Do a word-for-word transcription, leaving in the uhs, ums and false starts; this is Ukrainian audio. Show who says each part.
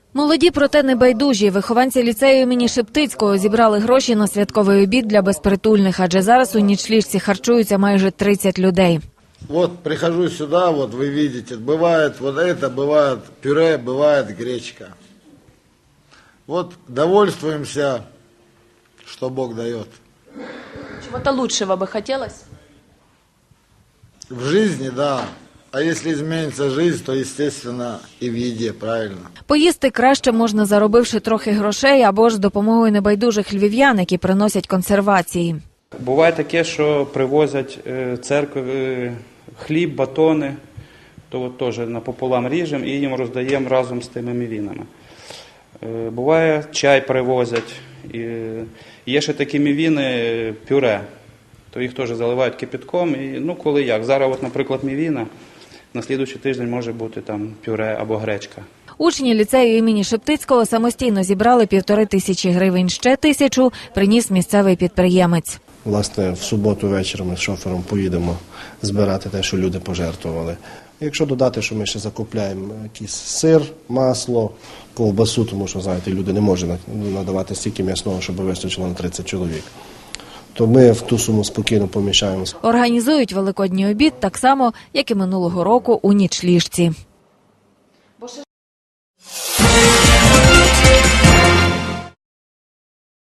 Speaker 1: Молоді, проте небайдужі. Вихованці ліцею імені Шептицького зібрали гроші на святковий обід для безпритульних, адже зараз у нічліжці харчуються майже тридцять людей.
Speaker 2: Вот прихожу сюда, вот вы видите, бывает вот это, бывает пюре, бывает гречка. Вот довольствуемся, что Бог дает.
Speaker 3: Чего-то лучшего бы хотелось?
Speaker 2: В жизни, да. А если изменится жизнь, то, естественно, и в еде, правильно.
Speaker 1: Поїсти краще можна, заробивши трохи грошей, або ж з допомогою небайдужих львів'ян, які приносять консервації.
Speaker 4: Буває таке, що привозять церкви хліб, батони, то от теж напополам ріжемо і їм роздаємо разом з тими мівінами. Буває, чай привозять. І є ще такі мівіни пюре, то їх теж заливають кипятком. І, ну, коли як. Зараз, от, наприклад, мівіна, на слідуючий тиждень може бути там пюре або гречка.
Speaker 1: Учні ліцею імені Шептицького самостійно зібрали півтори тисячі гривень. Ще тисячу приніс місцевий підприємець.
Speaker 5: Власне, в суботу ввечері ми з шофером поїдемо збирати те, що люди пожертвували. Якщо додати, що ми ще закупляємо якийсь сир, масло, ковбасу, тому що, знаєте, люди не можуть надавати стільки м'ясного, щоб вистачило на тридцять чоловік, то ми в ту суму спокійно поміщаємо.
Speaker 1: Організують великодній обід так само, як і минулого року у нічліжці.